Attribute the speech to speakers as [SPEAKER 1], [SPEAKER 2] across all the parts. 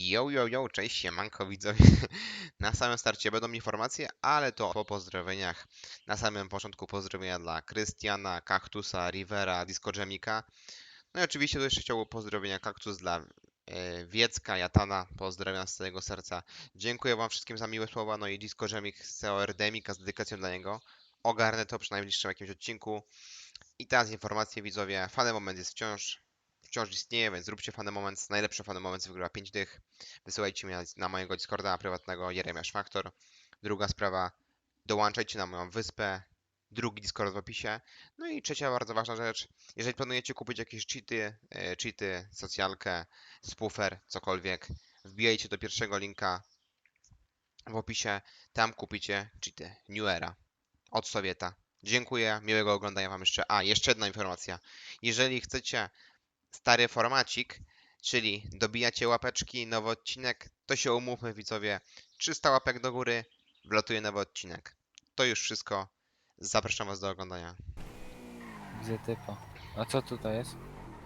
[SPEAKER 1] Yo, cześć, siemanko widzowie. Na samym starcie będą informacje, ale to po pozdrowieniach. Na samym początku pozdrowienia dla Krystiana, Kaktusa, Rivera, Disco Jamika. No i oczywiście to jeszcze chciałbym pozdrowienia Kaktus dla Wiecka, Jatana. Pozdrawiam z całego serca. Dziękuję wam wszystkim za miłe słowa, no i Disco Jamik z CORDMika z dedykacją dla niego. Ogarnę to przy najbliższym jakimś odcinku. I teraz informacje widzowie. Fany moment jest wciąż istnieje, więc zróbcie fany moment. Najlepszy fany moment wygrywa 5 dych. Wysyłajcie mnie na mojego Discorda prywatnego Jeremiasz Faktor. Druga sprawa, dołączajcie na moją wyspę. Drugi Discord w opisie. No i trzecia bardzo ważna rzecz. Jeżeli planujecie kupić jakieś cheaty, socjalkę, spoofer, cokolwiek, wbijajcie do pierwszego linka w opisie. Tam kupicie cheaty New Era od Sowieta. Dziękuję, miłego oglądania wam jeszcze. A, jeszcze jedna informacja. Jeżeli chcecie stary formacik, czyli dobijacie łapeczki, nowy odcinek, to się umówmy widzowie. 300 łapek do góry, wlatuje nowy odcinek. To już wszystko. Zapraszam was do oglądania.
[SPEAKER 2] Widzę typa. A co tutaj jest?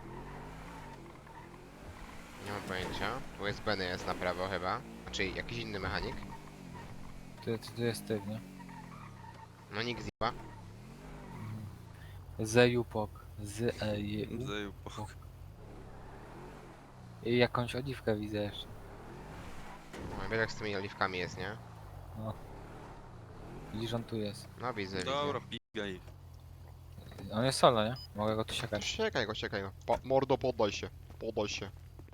[SPEAKER 1] Nie mam pojęcia. USB jest na prawo chyba. Znaczy jakiś inny mechanik.
[SPEAKER 2] Tu jest typ, nie?
[SPEAKER 1] No nikt zjeba.
[SPEAKER 2] Zejupok. Z-E-J-U.
[SPEAKER 3] Zajupok.
[SPEAKER 2] I jakąś oliwkę widzę jeszcze.
[SPEAKER 1] No, wiesz jak z tymi oliwkami jest, nie?
[SPEAKER 2] No. Widzisz, on tu jest.
[SPEAKER 1] No widzę,
[SPEAKER 3] Dobra,
[SPEAKER 1] widzę.
[SPEAKER 3] pigaj.
[SPEAKER 2] On jest solo, nie? Mogę go tu siekać.
[SPEAKER 1] Siekaj go. Mordo, poddaj się. Poddaj się.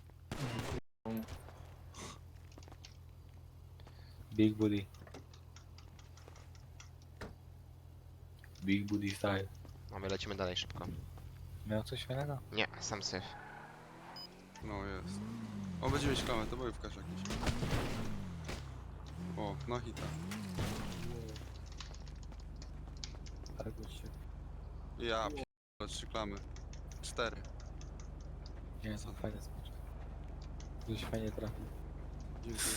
[SPEAKER 2] Big booty. Big booty style.
[SPEAKER 1] No my lecimy dalej szybko.
[SPEAKER 2] Miał coś fajnego?
[SPEAKER 1] Nie, sam syf.
[SPEAKER 3] No jest. O, będzie mieć klamę, to bojówkarz jakiś. O, no hita.
[SPEAKER 2] Tak, się.
[SPEAKER 3] Ja pierdolę, 3 klamy. 4.
[SPEAKER 2] Nie, są fajne smaczki. Ktoś fajnie trafił.
[SPEAKER 3] Dziękuję.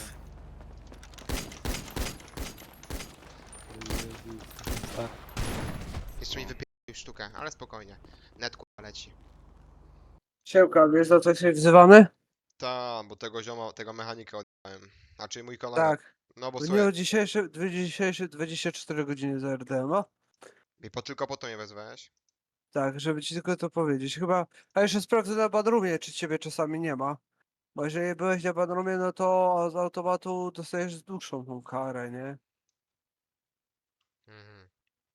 [SPEAKER 2] Tak.
[SPEAKER 1] Jeszcze mi wypierdolił sztukę, ale spokojnie. Net kurwa leci.
[SPEAKER 4] Siemka, wiesz za co jesteś wzywany?
[SPEAKER 1] Ta, bo tego zioma, tego mechanika oddałem. Znaczy mój kolega.
[SPEAKER 4] Tak.
[SPEAKER 1] No bo
[SPEAKER 4] W
[SPEAKER 1] słuchaj,
[SPEAKER 4] dniu dzisiejszym 24 godziny za RDMA.
[SPEAKER 1] tylko po to mnie wezwałeś.
[SPEAKER 4] Tak, żeby ci tylko to powiedzieć. Chyba, a jeszcze sprawdzę na Badrumie, czy ciebie czasami nie ma. Bo jeżeli byłeś na Badrumie, no to z automatu dostajesz dłuższą tą karę, nie?
[SPEAKER 1] Mhm.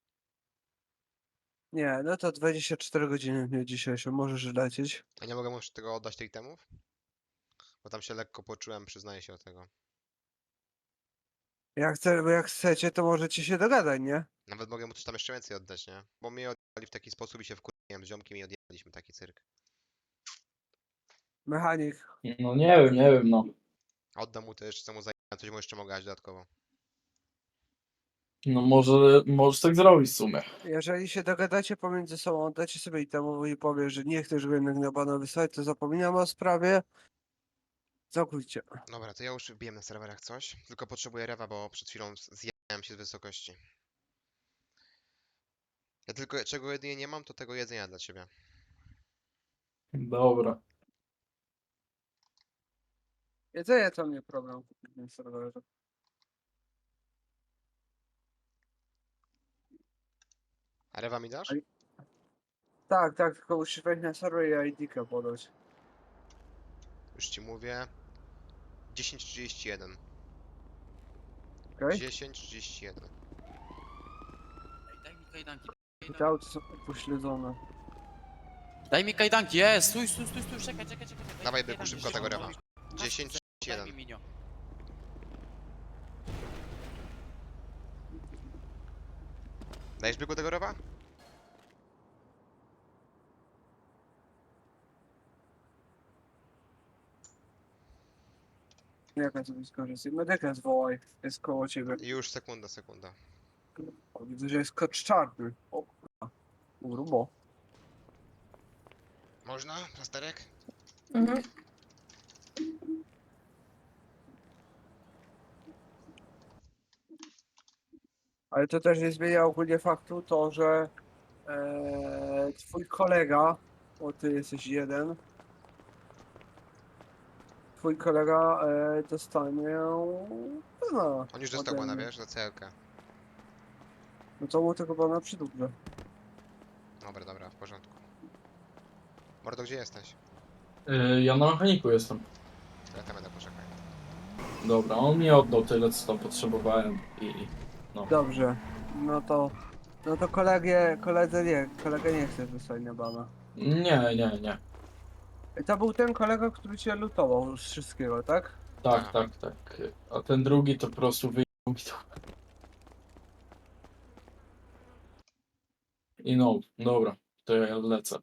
[SPEAKER 4] Nie, no to 24 godziny w dniu dzisiejszym, możesz lecieć.
[SPEAKER 1] A nie mogę mu już tego oddać tych temów? Bo tam się lekko poczułem, przyznaję się do tego.
[SPEAKER 4] Jak chcecie, to możecie się dogadać, nie?
[SPEAKER 1] Nawet mogę mu coś tam jeszcze więcej oddać, nie? Bo mnie odjechali w taki sposób i się wkurwiłem z ziomkiem i odjechaliśmy taki cyrk.
[SPEAKER 4] Mechanik.
[SPEAKER 5] No nie wiem, no.
[SPEAKER 1] Oddam mu też, co mu zajęłem, coś mu jeszcze mogę dać dodatkowo.
[SPEAKER 5] No może, możesz tak zrobić w sumie.
[SPEAKER 4] Jeżeli się dogadacie pomiędzy sobą, oddacie sobie i temu i powie, że nie chcesz go jednak na bana wysłać, to zapominam o sprawie. Całkowicie.
[SPEAKER 1] Dobra, to ja już wbiłem na serwerach coś, tylko potrzebuję rewa, bo przed chwilą zjadłem się z wysokości. Ja tylko, czego jedynie nie mam, to tego jedzenia dla ciebie.
[SPEAKER 5] Dobra.
[SPEAKER 4] Jedzenie to nie problem kupić na serwerze.
[SPEAKER 1] A rewa mi dasz?
[SPEAKER 4] Aj. Tak, tak, tylko musisz wejść na serwer i ID-kę podać.
[SPEAKER 1] Już ci mówię. 10:31.
[SPEAKER 4] Okej?
[SPEAKER 1] 10:31.
[SPEAKER 6] Daj mi kajdanki.
[SPEAKER 4] I te auty są upośledzone.
[SPEAKER 6] Daj mi kajdanki, jest! Stój, czekaj. Daj
[SPEAKER 1] Dawaj,
[SPEAKER 6] mi
[SPEAKER 1] byku,
[SPEAKER 6] kajdanki,
[SPEAKER 1] szybko tego rewa.
[SPEAKER 6] Daj mi
[SPEAKER 1] 10:31.
[SPEAKER 6] minio.
[SPEAKER 1] Dajesz byku tego rewa?
[SPEAKER 4] Jak sobie skorzystaj? Medyka zwołaj. Jest koło ciebie.
[SPEAKER 1] Już, sekunda.
[SPEAKER 4] O, widzę, że jest kocz czarny. O kurwa. Grubo.
[SPEAKER 1] Można? Plasterek?
[SPEAKER 7] Mhm.
[SPEAKER 4] Ale to też nie zmienia ogólnie faktu to, że twój kolega, bo ty jesteś jeden, twój kolega dostanie bana.
[SPEAKER 1] On już dostał
[SPEAKER 4] ode
[SPEAKER 1] bana,
[SPEAKER 4] mnie.
[SPEAKER 1] wiesz, za celkę.
[SPEAKER 4] No to mu tego bana przydłużę.
[SPEAKER 1] Dobra, dobra, w porządku. Mordo, gdzie jesteś?
[SPEAKER 5] Ja na mechaniku jestem.
[SPEAKER 1] To ja tam będę, poczekaj.
[SPEAKER 5] Dobra, on mi oddał tyle, co tam potrzebowałem i... No.
[SPEAKER 4] Dobrze. No to kolega nie chce wysłać na bana.
[SPEAKER 5] Nie.
[SPEAKER 4] I to był ten kolega, który cię lutował z wszystkiego, tak?
[SPEAKER 5] Tak. A ten drugi to po prostu wyjął mi to. I no, dobra, to ja lecę.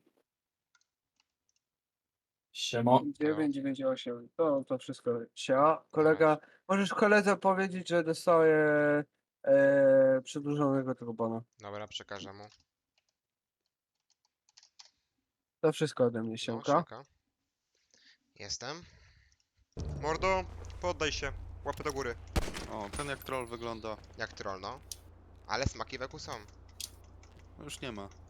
[SPEAKER 5] Siema.
[SPEAKER 4] 998. To wszystko. Kolega, możesz koledze powiedzieć, że dostaje przedłużonego tego bana.
[SPEAKER 1] Dobra, przekażę mu.
[SPEAKER 4] To wszystko ode mnie,
[SPEAKER 1] No,
[SPEAKER 4] siemka.
[SPEAKER 1] siemka. Jestem. Mordo, poddaj się. Łapy do góry.
[SPEAKER 3] O, ten jak troll wygląda.
[SPEAKER 1] Jak troll, no. Ale smaki weku są.
[SPEAKER 3] No już nie ma.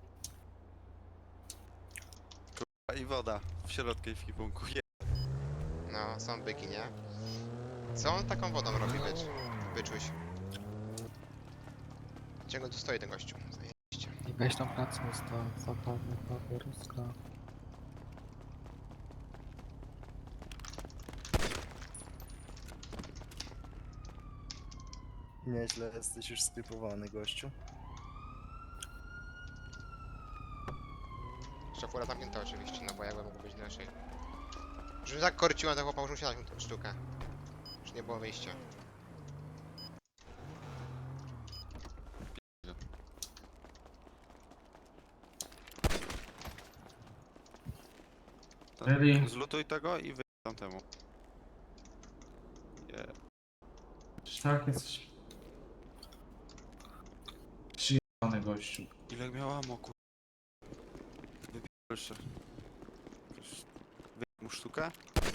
[SPEAKER 3] Kurwa, i woda w środku w kipunku.
[SPEAKER 1] No, są byki, nie? Co on taką wodą robi, byczuś? Ciągle tu stoi ten gościu. Zajebiście.
[SPEAKER 2] I weź tam francuska, zapadnie papieruska.
[SPEAKER 7] Nieźle jesteś już skrypowany, gościu.
[SPEAKER 1] Szafura zamknięta oczywiście, no bo jakby mogło być inaczej. Już tak korciłem, to chłopak już musiał dać mu tą sztukę. Już nie było wyjścia.
[SPEAKER 5] Ready?
[SPEAKER 3] Zlutuj tego i wyjdź tamtemu.
[SPEAKER 8] Tak, jesteś przyjechany gościu.
[SPEAKER 3] Ile miała moku? Wypierdol się. Wyjdź mu sztukę?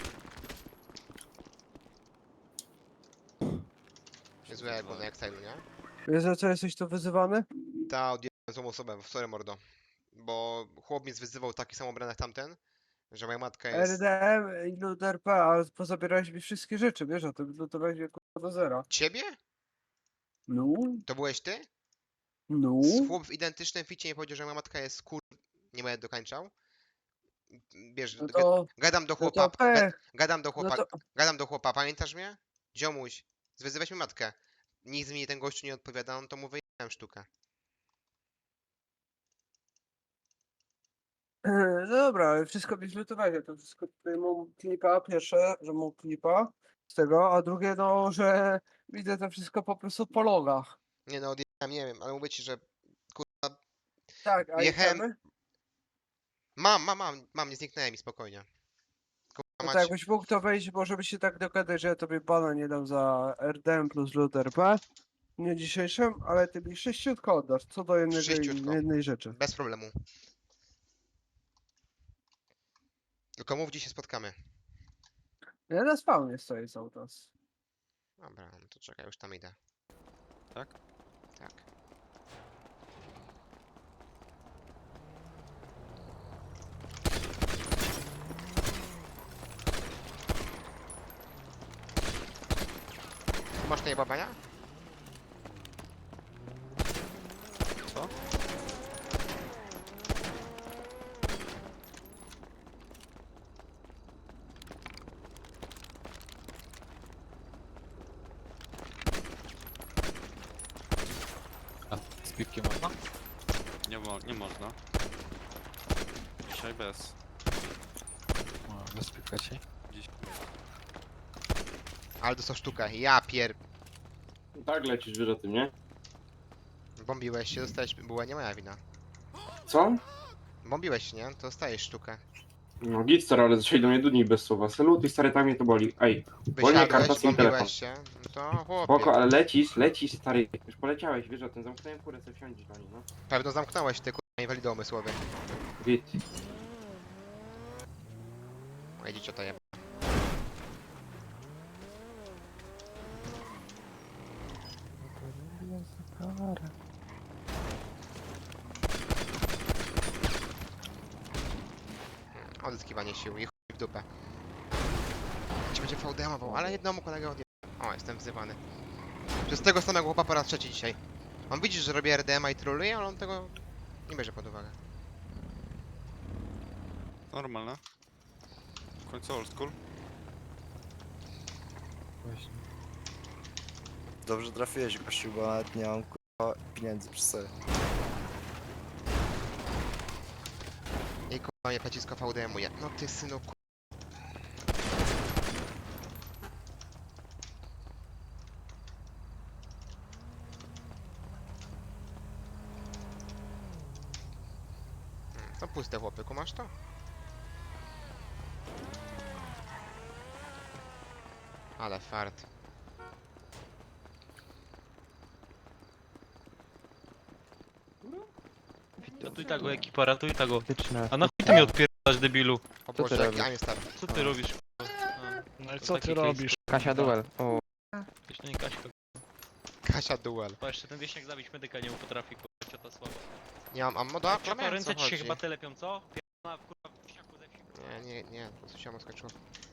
[SPEAKER 1] Niezłe jak było na Exile'u, nie?
[SPEAKER 4] Wiesz, za co jesteś tu wyzywany?
[SPEAKER 1] Ta, odjechałem złą osobę, sorry mordo. Bo chłop mnie zwyzywał taki sam ubrany jak tamten, że moja matka jest...
[SPEAKER 4] RDM i LUDRP, ale pozabierałeś mi wszystkie rzeczy, wiesz o tym, lutowałeś mnie kurwa do zera.
[SPEAKER 1] Ciebie?
[SPEAKER 4] No,
[SPEAKER 1] To byłeś ty?
[SPEAKER 4] no.
[SPEAKER 1] Chłop w identycznym ficie mi powiedział, że moja matka jest nie będę dokończał. Wiesz,
[SPEAKER 4] No to,
[SPEAKER 1] gadam do
[SPEAKER 4] no
[SPEAKER 1] chłopa,
[SPEAKER 4] to pech.
[SPEAKER 1] gadam do
[SPEAKER 4] No
[SPEAKER 1] chłopa,
[SPEAKER 4] to,
[SPEAKER 1] gadam do chłopa, pamiętasz mnie? Ziomuś, zwyzywałeś mi matkę. Nic mi ten gościu nie odpowiada, no to mu wyjechałem sztukę.
[SPEAKER 4] no dobra, ale wszystko mi zlutowałeś, ja to wszystko tutaj mam klipa, pierwsze, że mam klipa z tego, a drugie no, że widzę to wszystko po prostu po logach.
[SPEAKER 1] Nie no, odjechałem, nie wiem, ale mówię ci, że
[SPEAKER 4] Tak, a
[SPEAKER 1] Jechałem-
[SPEAKER 4] itemy?
[SPEAKER 1] mam, nie zniknęłem mi, spokojnie. Kurwa
[SPEAKER 4] No
[SPEAKER 1] mać,
[SPEAKER 4] to jakbyś mógł to wejść, może by się tak dogadać, że ja tobie bana nie dam za RDM plus LUDRP. Nie dzisiejszym, ale ty mi 600 oddasz, co do
[SPEAKER 1] Sześciutko.
[SPEAKER 4] jednej rzeczy.
[SPEAKER 1] bez problemu. Tylko mów, gdzie się spotkamy.
[SPEAKER 4] Ja na spawnie stoję cały czas.
[SPEAKER 1] Dobra, no to czekaj, już tam idę.
[SPEAKER 3] Tak?
[SPEAKER 1] Tak. Masz tutaj babania?
[SPEAKER 3] Co?
[SPEAKER 2] A z piwkiem można?
[SPEAKER 3] Nie można. Dzisiaj bez.
[SPEAKER 2] No, bez piwka ci.
[SPEAKER 3] Dziś.
[SPEAKER 1] Ale dostał sztukę, ja pier...
[SPEAKER 9] Tak lecisz, wiesz o tym, nie?
[SPEAKER 1] Bombiłeś się, dostałeś... Była nie moja wina.
[SPEAKER 9] Co?
[SPEAKER 1] Bombiłeś się, nie? To dostajesz sztukę.
[SPEAKER 9] No git stary, ale zaczęli do mnie dudni bez słowa. Salut i stary, tak mnie to boli. Ej, karta,
[SPEAKER 1] Wysiadłeś,
[SPEAKER 9] sim, telefon.
[SPEAKER 1] bombiłeś się. No to chłopie.
[SPEAKER 9] spoko, ale lecisz stary. Już poleciałeś, wiesz o tym, zamknąłem kurę, sobie wsiądziesz do niej, no.
[SPEAKER 1] Pewno zamknąłeś ty kurwa inwalido umysłowy.
[SPEAKER 9] Git.
[SPEAKER 1] Moje dziecię to jeba. Odzyskiwanie sił i chuj w dupę. Ci będzie będzie fałdemował, ale jednemu kolegę odjechał. O, jestem wzywany. Przez tego samego chłopa po raz trzeci dzisiaj. On widzi, że robię RDMA i troluje, ale on tego nie bierze pod uwagę.
[SPEAKER 3] Normalne. W końcu old school.
[SPEAKER 2] Właśnie.
[SPEAKER 7] Dobrze trafiłeś, gościu, bo nawet nie mam kurwa pieniędzy przy sobie.
[SPEAKER 1] I kurwa mnie pecisko VDM-uje. No ty synu ku... To puste chłopy, kumasz to? Ale fart.
[SPEAKER 10] Ratuj tego ekipa, ratuj tego. A na chuj ty mnie odpierdalasz, debilu?
[SPEAKER 1] O Boże, jaki a nie stary.
[SPEAKER 10] Co ty robisz? No i
[SPEAKER 6] co ty robisz?
[SPEAKER 10] Kasia duel. O. Wiesz, to nie Kaśka.
[SPEAKER 1] Kasia duel.
[SPEAKER 10] Bo jeszcze ten wieśniak zabić medyka nie potrafi, kurwa, ciota słaba.
[SPEAKER 1] Nie mam ammo do
[SPEAKER 10] Co to
[SPEAKER 1] o
[SPEAKER 10] ręce
[SPEAKER 1] co
[SPEAKER 10] ci się
[SPEAKER 1] chodzi?
[SPEAKER 10] chyba telepią, co? Pierdolona, kurwa, wieśniaku ze wsi.
[SPEAKER 1] Nie, po prostu się skończyło.